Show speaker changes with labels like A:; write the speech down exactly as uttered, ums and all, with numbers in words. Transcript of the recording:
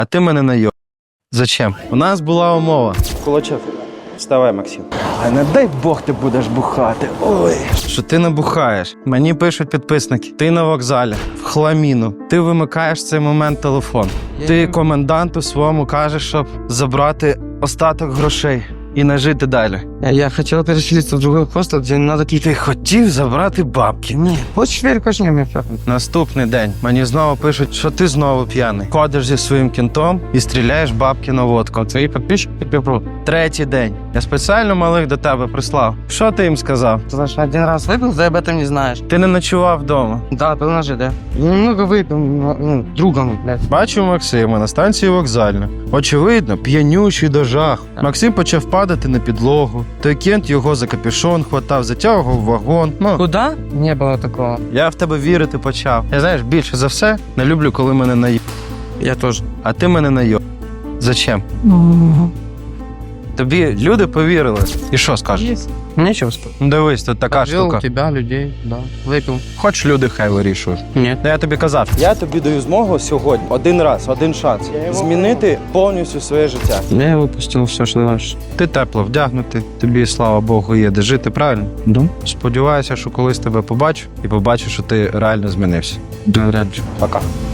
A: А ти мене найоб. Зачем? У нас була умова.
B: Кулачев, вставай, Максим. А не дай Бог ти будеш бухати. Ой.
A: Що ти не бухаєш. Мені пишуть підписники. Ти на вокзалі, в хламіну. Ти вимикаєш в цей момент телефон. Ти коменданту своєму кажеш, щоб забрати остаток грошей і не жити далі.
C: Я хотел переселиться в другой хостел, где не надо какие-то...
A: Ти хотів забрати бабки. Ні.
C: Хочешь верь, хочешь не, мне всё.
A: Наступний день мені знову пишуть, що ти знову п'яний. Ходиш зі своїм кінтом і стріляєш бабки на водку.
C: Твои подписчики тебе прут.
A: Третій день. Я спеціально малих до тебе прислав. Що ти їм сказав?
C: Ты знаешь, один раз выпил, ты об этом не знаешь.
A: Ти не ночував вдома.
C: Да, был ножи, да. Немного выпил, ну, другом, блядь.
A: Бачу Максима на станції вокзальна. Очевидно, п'янючий до жаху. Максим почав падати на підлогу. Той кент його за капюшон хватав, затягував в вагон. Ну,
C: Куда? Не было такого.
A: я в тебе вірити почав. Я, знаєш, більше за все не люблю, коли мене наїб.
C: Я тоже.
A: А ти мене найоб. Зачем? Тобі люди повірили. І що скажеш?
C: Нечего сказать.
A: Ну, дивись, тут така
C: Подвел
A: штука.
C: тебя, людей, да. Выпил.
A: Хоч люди хай вирішують.
C: Нет.
A: Та я тобі казав.
B: Я тобі даю змогу сьогодні, один раз, один шанс, змінити повністю своє життя.
C: Я выпустил все, что знаешь.
A: Ти тепло вдягнутий, тобі, слава Богу, є де жити, правильно?
C: Да?
A: Сподіваюся, що колись тебе побачу і побачу, що ти реально змінився.
C: Да, вряд ли.
B: Пока.